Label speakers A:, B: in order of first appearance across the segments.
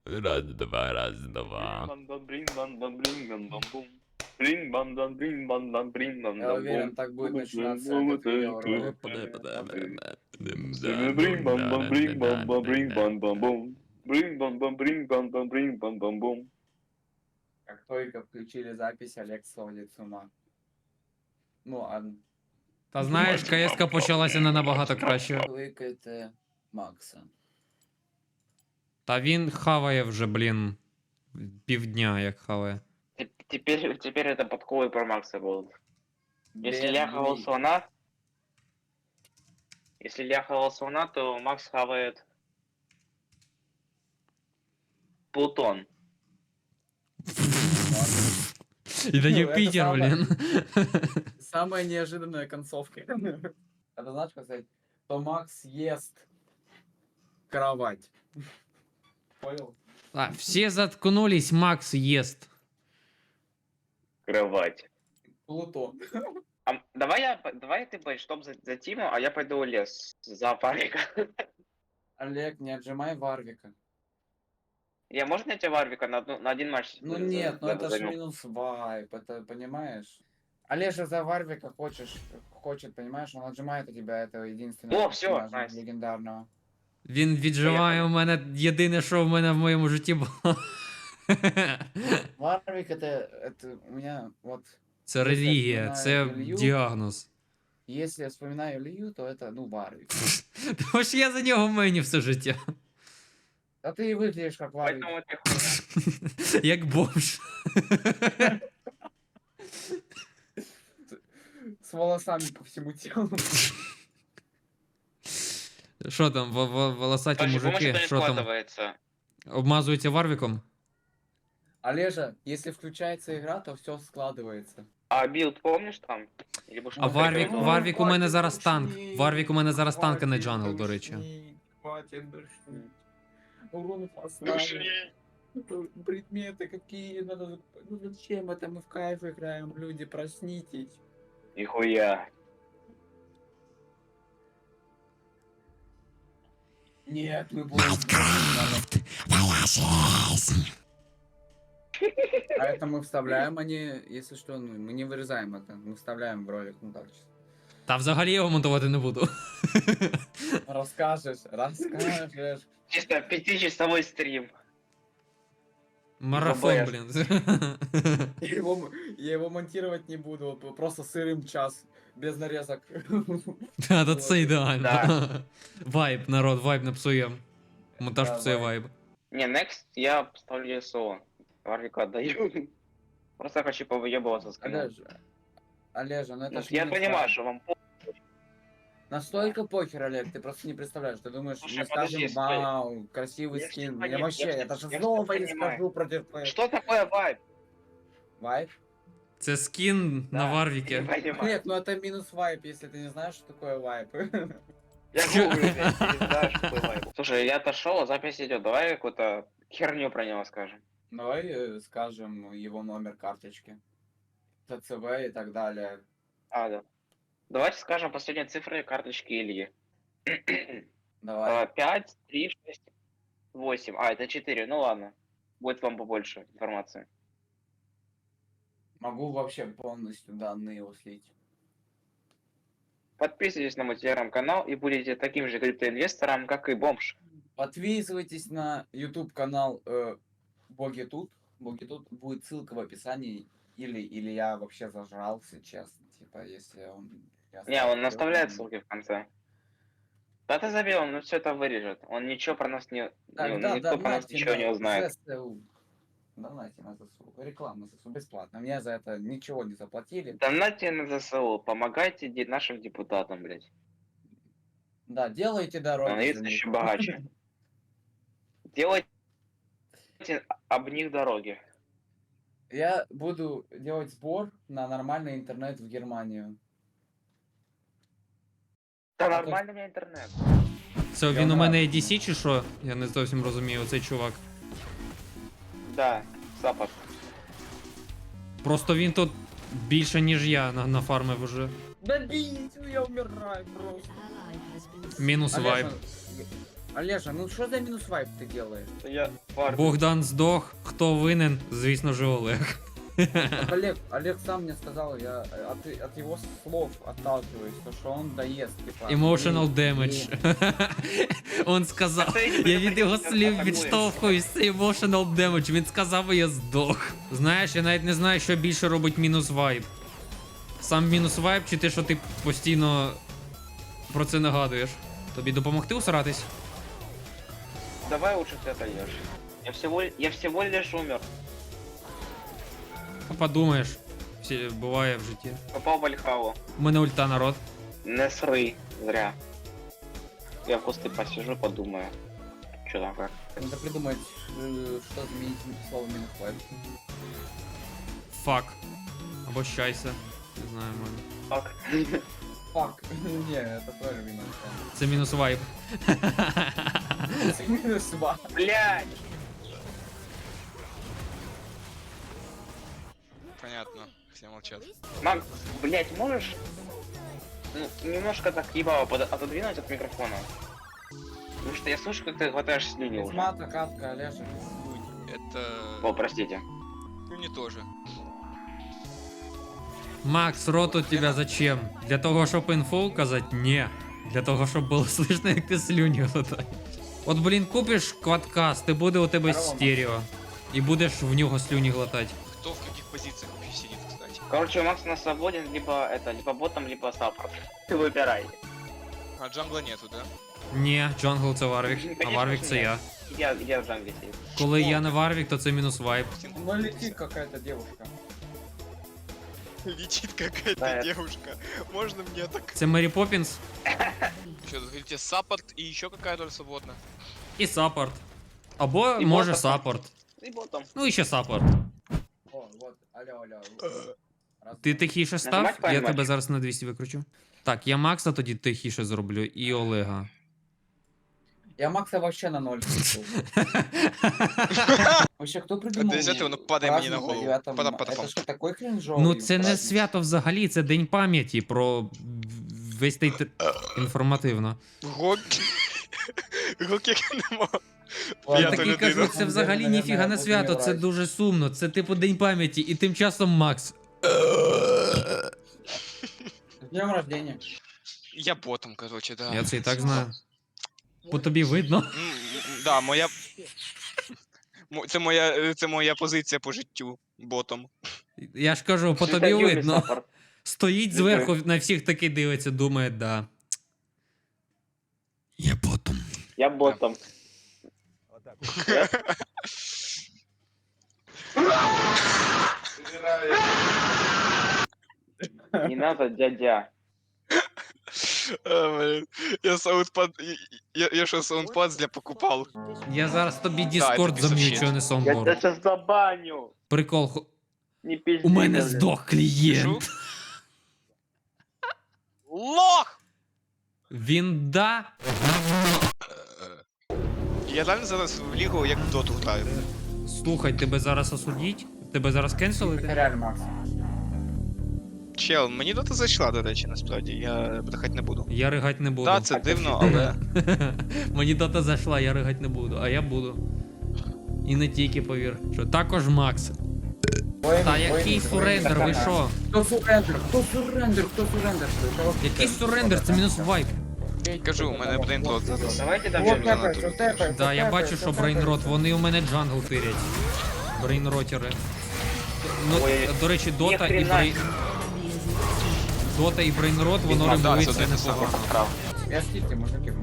A: Раз, два, раз, два.
B: Я уверен, так будет начинаться этот видеоролик. Как только включили запись, Олег сходит с ума. Ну, а
A: Та знаєш, КС-ка почалася не набагато краще.
B: кликайте Макса.
A: Та він хаває вже, блін, півдня як хаває.
C: Теперь это подковы про Макса будут. Если
B: Без
C: я хавал
B: глей.
C: слона, если я хавал слона, то Макс хавает Плутон.
A: І до
B: Ну,
A: Юпітер,
B: это
A: блін.
B: Самая неожиданная концовка. Это знаешь, как сказать, то Макс ест кровать. Понял?
A: А, всі заткнулись, Макс єст.
C: Кровать.
B: Плутон.
C: Давай ты будешь чтоб за Тиму, а я пойду в лес за Варвика.
B: Олег, не отжимай Варвика.
C: Я можно найти Варвика на один матч?
B: Ну нет, ну это ж
C: займу?
B: минус вайп, это понимаешь? Олежа за Варвика хочет, понимаешь, он отжимает у тебя этого единственного
C: О, всё,
B: персонажа
C: найс.
B: легендарного.
A: Він відживає у мене єдине, що в мене в моєму житті було.
B: Варвик это у меня вот,
A: Це релігія, це
B: Ілью.
A: діагноз.
B: если я вспоминаю Илью, то это, ну, Варвик.
A: Тому що я за нього мені все життя.
B: А ты и выглядишь как Варвик.
C: Поэтому ты хуйня.
A: Як бомж.
B: С волосами по всему телу.
A: Що там, волосаті
C: Короче, помощь
A: мужики,
C: это не
A: що там,
C: складывается.
A: обмазуються Варвіком?
B: Олежа, если включается игра, то все складывается.
C: А билд помнишь там? Или будешь
A: А
C: повторять?
A: Варвік у мене зараз танк. Варвік у мене зараз танк, а не джангл, до речі.
B: Хватит душнить. Урон поставил. Предметы какие надо... Ну зачем это мы в кайф играем, люди, проснитесь.
C: Нихуя.
B: Нет, мы будем... А это мы вставляем, а не... Если что, ну, мы не вырезаем это. Мы вставляем в ролик, ну так.
A: Та взагалі я його монтувати не буду.
B: Расскажешь.
C: Чисто 5-часовой стрим.
A: Марафон,
C: Забоясь.
A: блін.
B: Я его монтировать не буду, вот просто сырым час, без нарезок.
A: Та, то це ідеально.
C: Да.
A: Вайб, народ, вайб не псує. Монтаж
B: Да,
A: псує
B: вайб.
A: вайб.
C: Не, next я поставлю СО. Варвика отдаю. Просто хочу повыебываться с канала.
B: Олежа, ну это ж
C: Я
B: не
C: понимаю,
B: вайб.
C: что вам
B: Настолько похер, Олег, ты просто не представляешь. Ты думаешь,
C: Слушай,
B: мы скажем,
C: подожди, стой.
B: вау, красивый
C: Я ж
B: скин.
C: тебя
B: Я
C: не-
B: вообще,
C: я ж
B: это
C: тебя-
B: же
C: я ж
B: снова
C: тебя
B: не
C: понимаю.
B: скажу против твоего.
C: Что такое вайб?
B: Вайп?
A: Це скін на
C: Не
A: Варвіки.
C: понимаю.
B: Олег, ну это минус вайп, если ты не знаешь, что такое вайп.
C: Я гуглю, блядь, не знаю, что такое вайб. Слушай, я отошел, а запись идет. Давай какую-то херню про него скажем.
B: Давай скажем его номер карточки. ТЦВ и так далее.
C: А, да. Давайте скажем последние цифры карточки Ильи.
B: Давай.
C: 5, 3, 6, 8. А, это 4. Ну ладно. Будет вам побольше информации.
B: Могу вообще полностью данные его слить.
C: Подписывайтесь на мой телеграм-канал и будете таким же криптоинвестором, как и бомж.
B: Подписывайтесь на YouTube канал Боги тут. Боги тут будет ссылка в описании. Или я вообще зажрался, честно. Типа, если он... я
C: Не, он
B: ставлю,
C: наставляет
B: то-
C: ссылки в конце. Да ты забей, он все это вырежет. Он ничего про нас
B: Тогда
C: никто про нас
B: донатьте
C: ничего не
B: на
C: узнает.
B: ЗСУ. Донатьте на ЗСУ. Реклама ЗСУ бесплатно. Мне за это ничего не заплатили.
C: Донатьте на ЗСУ, помогайте нашим депутатам, блядь.
B: Да, делайте дороги. за
C: Становиться
B: них.
C: еще богаче. Делайте об них дороги.
B: Я буду делать сбор на нормальный интернет в Германию.
C: Да
B: А
C: нормальный у меня интернет.
A: Це він у мене ADC чи що? Я не зовсім розумію, оцей чувак.
C: Да, Запад.
A: Просто він тут більше, ніж я нафармив уже.
B: Да бить, я умираю просто.
A: Мінус вайб.
B: Олежа, ну что за минус вайп ты делаешь?
C: Я фармлю.
A: Богдан здох. Хто винен? Звісно же, Олег.
B: Так Олег сам мне сказал, я от его слов отталкиваюсь, то что он доест, типа.
A: Emotional
B: не-
A: damage. Он сказав, я від його слів відштовхуюсь, це emotional damage. Він сказав, і я здох. Знаєш, я навіть не знаю, що більше робить мінус вайб. Сам мінус вайб чи те, що ти постійно про це нагадуєш. Тобі допомогти усратись?
C: Давай лучше ты отойдешь. Я всего лишь умер.
A: Подумаєш, всі буває в житті.
C: Попал в Альхаву.
A: У мене ульта, народ.
C: Не сры, зря. Я в кусты посижу, подумаю. Что там как?
B: Надо придумать, что заменить слово минус вайп.
A: Фак. Або щайся. Не знаю, мене.
C: Фак.
B: Фак. Не, это тоже минус
A: Це мінус вайб.
B: вайп. Минус вайп.
C: Блядь!
D: Понятно, все молчат.
C: Макс, блядь, можешь ну, немножко так ебало отодвинуть от микрофона? Потому что я слышу, как ты глотаешь слюни уже.
B: Мата, катка, Олежа.
D: Это...
C: О, простите.
D: Ну не тоже.
A: Макс, рот у тебя зачем? Для того, щоб інфу казати? Ні. Для того, щоб було слышно, як ти слюні глотаєш. От, блін, купиш квадкаст, і буде у тебе
B: Здорово,
A: стерео. І будеш в нього слюні глотати.
D: Кто в каких позициях вообще сидит, кстати?
C: Короче, Макс у нас свободен либо ботом, либо саппорт. Ты выбирай.
D: А джангла нету, да?
A: Ні, джангл це Варвік, а
C: Конечно
A: Варвік
C: ж
A: це
C: ні.
A: я.
C: Где в джангле сидит?
A: Коли я не Варвік, то це мінус вайб.
B: Ну летит какая-то девушка.
D: Летит какая-то
C: Да,
D: девушка. Можно мне так?
A: Це Мері Поппінс
D: Что, тут говорите, саппорт и еще какая-то свободна?
A: і саппорт. Або
C: І
A: може
C: ботом.
A: саппорт.
C: И ботом.
A: Ну і ще саппорт.
B: О, вот, алло. Раз,
A: Ти
B: два.
A: тихіше став,
C: Нажимать
A: я
C: правильно?
A: тебе зараз на 200 викручу. Так, я Макса тоді тихіше зроблю і Олега.
B: Я Макса вообще на ноль спустил. Вообще, кто придумал?
D: Это из этого, ну, падай мне на
B: праздник
D: голову.
B: 9
D: Потом,
B: марта?
D: потом.
B: Это что, такой кринжовый
A: Ну це не
B: праздник?
A: свято взагалі, це день пам'яті про весь той інформативно.
D: Гоки. Гоки нема.
B: Ладно,
A: Я
D: Я то
A: такий
D: людина.
A: кажу, це взагалі
B: Наверное,
A: ніфіга не
B: буду
A: свято, це
B: вмирати.
A: дуже сумно, це типу день пам'яті, і тим часом Макс.
B: С днем рождения.
D: Я ботом, короче, да.
A: Я це і так знаю. По тобі видно.
D: Да, моя... Це моя позиція по життю. Ботом.
A: Я ж кажу, по тобі
C: Юрий
A: видно.
C: саппорт.
A: Стоїть зверху, на всіх таки дивиться, думає, да. Я потом.
C: Я ботом. Не надо, дядя.
D: Блин. Я саундпад... Я що, саундпад для покупал?
A: Я зараз тобі
D: це
A: Discord
D: piece of
A: зам'ючу,
D: shit.
A: а не
C: Я
A: Soundboard.
C: тебя сейчас забаню.
A: Прикол.
C: Не пизди.
A: У мене
C: блин.
A: здох клієнт.
D: Лох!
A: Він да.
D: Я реально зараз в лігу як в доту граю.
A: Слухай, тебе зараз осудіть? Тебе зараз кенселити?
B: Реально, Макс.
D: Чел, мені дота зайшла, до речі, насправді. Я брехать не буду.
A: Я ригать не буду.
D: Так, це дивно, але.
A: Мені дота зайшла, я ригать не буду, а я буду. І не тільки, повір. Що також Макс. Та який сурендер, ви що?
B: Кто сурендер? Кто сурендер? Кто сурендер? Это вообще-
A: Який сурендер? Це мінус вайп.
D: Кажу, у мене брейнрот зараз.
C: Давайте
B: Вот
C: добьем.
B: тэпается, вот тэпается,
A: Да, я
B: тэпается,
A: бачу, що
B: тэпается.
A: брейнрот, вони у мене джангл тирять. Брейнротери. Ну,
C: Ой,
A: до речі, Дота і
C: ніхрена.
A: брейн... Дота і брейнрот, воно
D: Да,
A: регулюється
D: це те саме.
A: непогано.
B: Я скидки, мужики.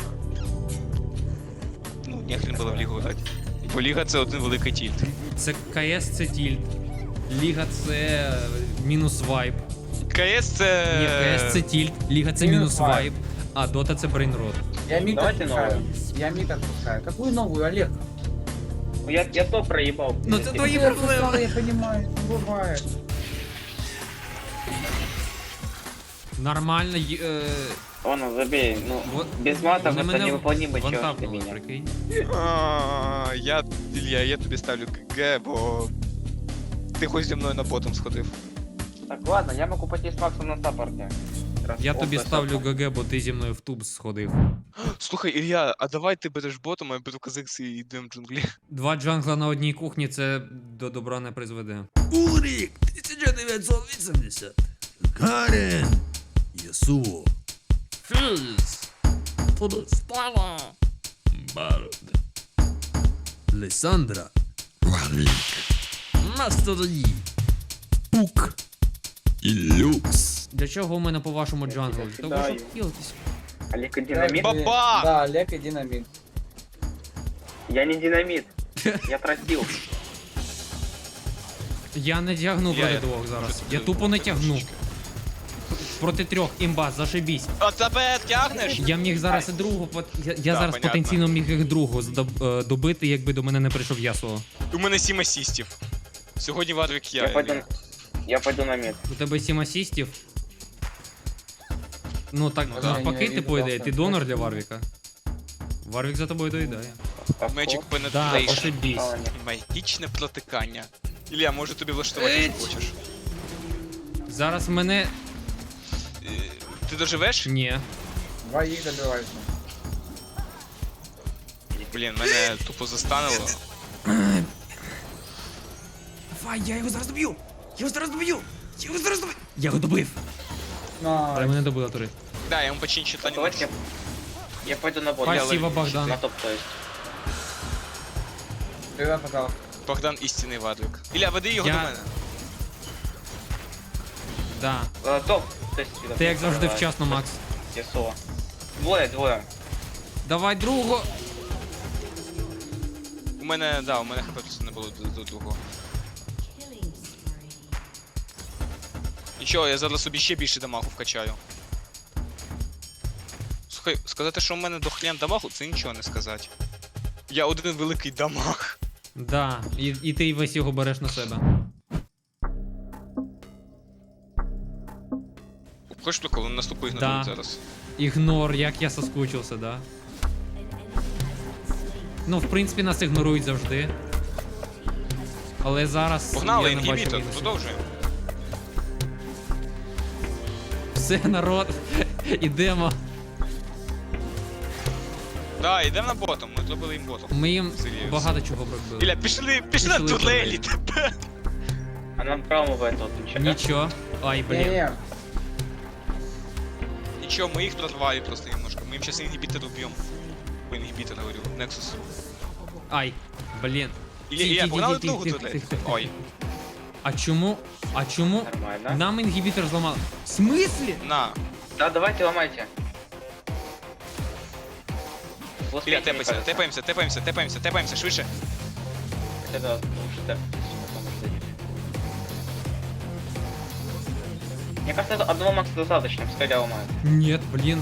D: Ну, нехрен було в лігу грати. Бо ліга це один великий тільт.
A: Це КС, це тільт. Ліга це мінус вайп.
D: КС це.
A: Ні, КС це тільт, Ліга це
B: Мінус
A: мінус
B: вайп.
A: вайп, а Дота це брейнрот.
B: Я мид
C: Давайте
B: отпускаю. Я мид отпускаю. Какую новую, Олег?
C: Ну, я то проебал.
A: Ну це твої
B: Я
A: проблеми.
B: отпускал, я понимаю, не бывает.
A: Нормально.
C: Ладно, забей. Ну,
A: Вот,
C: без матов
A: вони
C: это
A: мене
C: невыполнимый чё для
A: вантапнули,
C: меня.
A: прикинь.
D: Ілля, я тобі ставлю ГГ, бо. Ти хоч зі мною на ботом сходив.
C: Так, ладно, я могу пойти с Максом на саппорте. Раз
A: Я тобі
C: опыт
A: ставлю
C: саппорт.
A: ГГ, бо ти зі мною в туб сходив.
D: Слухай, Ілля, а давай ти береш ботом, а я беру Казикс і йдемо в джунглі.
A: 2 джангла на одній кухні це до добра не призведе. Улрік, 1980. Карен. Ясуо. Фіз. Подостава. Бард. Лесандра. Варвік. Мастерді. Пук. І люкс. Для чого у мене по-вашому джангл? Для того, щоб хілитись.
C: Олег и динамит?
D: Баба!
B: Да, Олег и динамит.
C: Я не динамит. Я тротил.
A: Я не тягну
D: Я-
A: проти
D: я-
A: двох зараз.
D: я-
A: Я тупо не тягну. Проти 3, імба, зашибісь.
D: А тебе тягнеш?
A: Я міг зараз і другу, я
D: Да,
A: зараз
D: понятно.
A: потенційно міг їх другу добити, якби до мене не прийшов Ясуо.
D: У мене 7 асістів. Сьогодні Варвік
C: Я пойду,
D: Ілля.
C: я пойду на мид.
A: У тебе 7 асістів. Ну так,
D: Ну да.
A: навпаки,
B: Я
A: ти
B: не
A: по ідеї,
B: видел,
A: ти
B: да.
A: донор для Варвіка. Варвік за тобою доїдає.
D: Magic
A: Да,
D: Penetration.
A: ошибісь.
D: Магічне протикання. Ілля, може тобі влаштувати, що хочеш.
A: Зараз мене...
D: Е, Ти доживеш?
A: Ні.
B: Двоих добивайся.
D: Блін, мене тупо застанило.
A: Давай, я його зараз доб'ю! Я його зараз доб'ю! Я його зараз доб'ю! Я його добив! Але
B: На.
A: мене добили тури.
D: Да, я йому починчу та не можу.
C: Давайте я пойду на бот.
A: Спасибо, Богдан.
C: На топ, то есть.
B: Привет, пожалуйста.
D: Богдан істинний Варвік. Ілля, веди його
A: Я-
D: до мене.
A: Да.
C: Топ. То есть,
A: Ти як завжди вчасно, Макс.
C: Ясуо. Двое.
D: Давай другого. У мене хп просто не було до другого. Нічого, я зараз собі ще більше дамагу вкачаю. Слухай, сказати, що у мене дохлям дамагу, це нічого не сказати. Я один великий дамаг.
A: Да, і ти весь його береш на себе.
D: Хочеш прикол, наступу
A: Да.
D: ігнорують зараз.
A: Ігнор, як я соскучився, да. Ну, в принципі, нас ігнорують завжди. Але зараз
D: Погнали,
A: я не бачу
D: інгібітор,
A: мінусів.
D: продовжуємо.
A: Все, народ, ідемо.
D: Да, йдемо на ботом, ми зробили їм ботом.
A: Ми їм
D: Серйозно.
A: багато чого робили.
D: Ілля, пішли на
A: Пішли
D: турелі
A: турелі.
D: тепер.
C: А нам промывает тут ничего.
A: Нічого. Ай, блін.
B: Не-не.
D: Нічого, ми їх прорвали просто немножко. Ми їм зараз інгібітор уб'ємо. По інгібітор говорю, Nexus.
A: Ай, блін.
D: Ілля, погнали
A: Тихо,
D: другу
A: тихо,
D: турель.
A: тихо, тихо.
D: Ой,
A: А чому?
C: Нормально.
A: Нам інгібітор зламали? В смислі?
D: на.
C: Да, давайте ломайте.
D: Ілля, тепаємося, швидше.
C: Хотя да, лучше так. Потом уже дадим. Мне кажется, это одного макса достаточно, пускай я ломаю.
A: Ні, блін.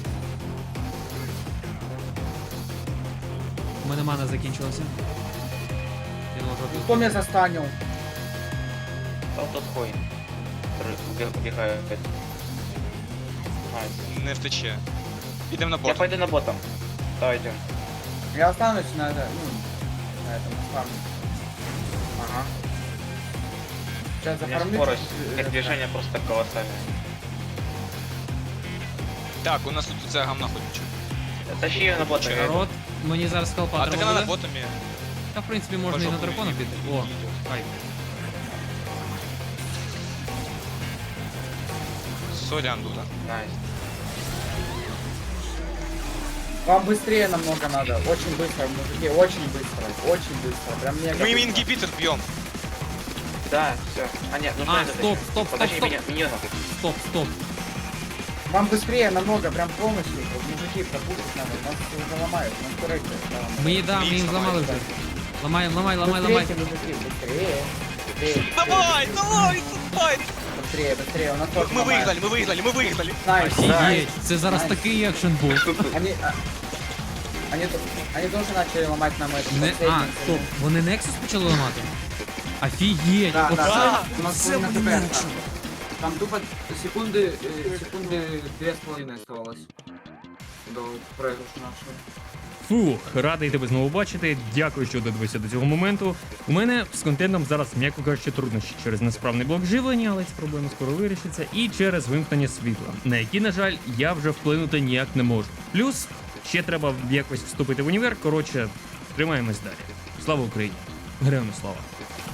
A: У мене мана закінчилася. Я не можу
B: Кто
A: отбити.
B: меня застанил?
C: Тот хуй. Который убегает. Найс.
D: Не втече. Ідемо на
C: Я
D: бот.
C: пойду на ботом. Давай идем.
B: Я останусь на это, ну, на этом фарме. Ага. Сейчас
C: У меня
B: зафармлю.
C: скорость
B: чуть-чуть,
C: передвижения просто колоссальная.
D: Так, у нас тут ця гамна ходить.
C: Тащи ее на бота.
D: Чё?
A: Народ, мені зараз скалпа
D: А так
A: треба
D: вона на
A: буде.
D: ботомі.
A: Та в принципі можна і на дракона піти. О, ай.
D: Сорян, Дуда.
C: Найс.
B: Вам быстрее намного надо. Очень быстро, мужики, очень быстро. Очень быстро. Прям мега
D: Ми їм
B: быстро.
D: інгібітор б'ємо.
C: Да, все. А нет, нужно
A: А,
C: это
A: стоп,
C: тащить.
A: стоп,
C: Подожди
A: стоп,
C: меня, миньонов.
A: Стоп, стоп.
B: Вам быстрее намного, прям полностью. Вот, мужики, пропустить надо. Нас уже ломают. Нас корректы ломают.
A: Ми їм зламали вже. Ламаємо, ламай.
B: Быстрее, мужики, быстрее. Быстрее,
D: Давай!
B: Быстрее, быстрее. У нас тоже
D: Ми
B: ломают.
D: виграли.
B: Найс,
A: Офігеть,
B: найс.
A: це зараз
B: Найс.
A: такий екшен був.
B: Они тоже начали ломать нам это.
A: Не, а, стоп, вони Nexus почали ламати? Офігеть,
B: Да,
A: оце,
B: да, у нас
A: це
B: половина
A: блін,
B: ХП. Там тупо секунды 2,5 оставалось до проигрыша нашего.
E: Фух, радий тебе знову бачити. Дякую, що додивився до цього моменту. У мене з контентом зараз, м'яко кажучи, труднощі через несправний блок живлення, але ці проблеми скоро вирішаться, і через вимкнення світла, на які, на жаль, я вже вплинути ніяк не можу. Плюс Ще треба якось вступити в універ. Коротше, тримаємось далі. Слава Україні! Героям слава!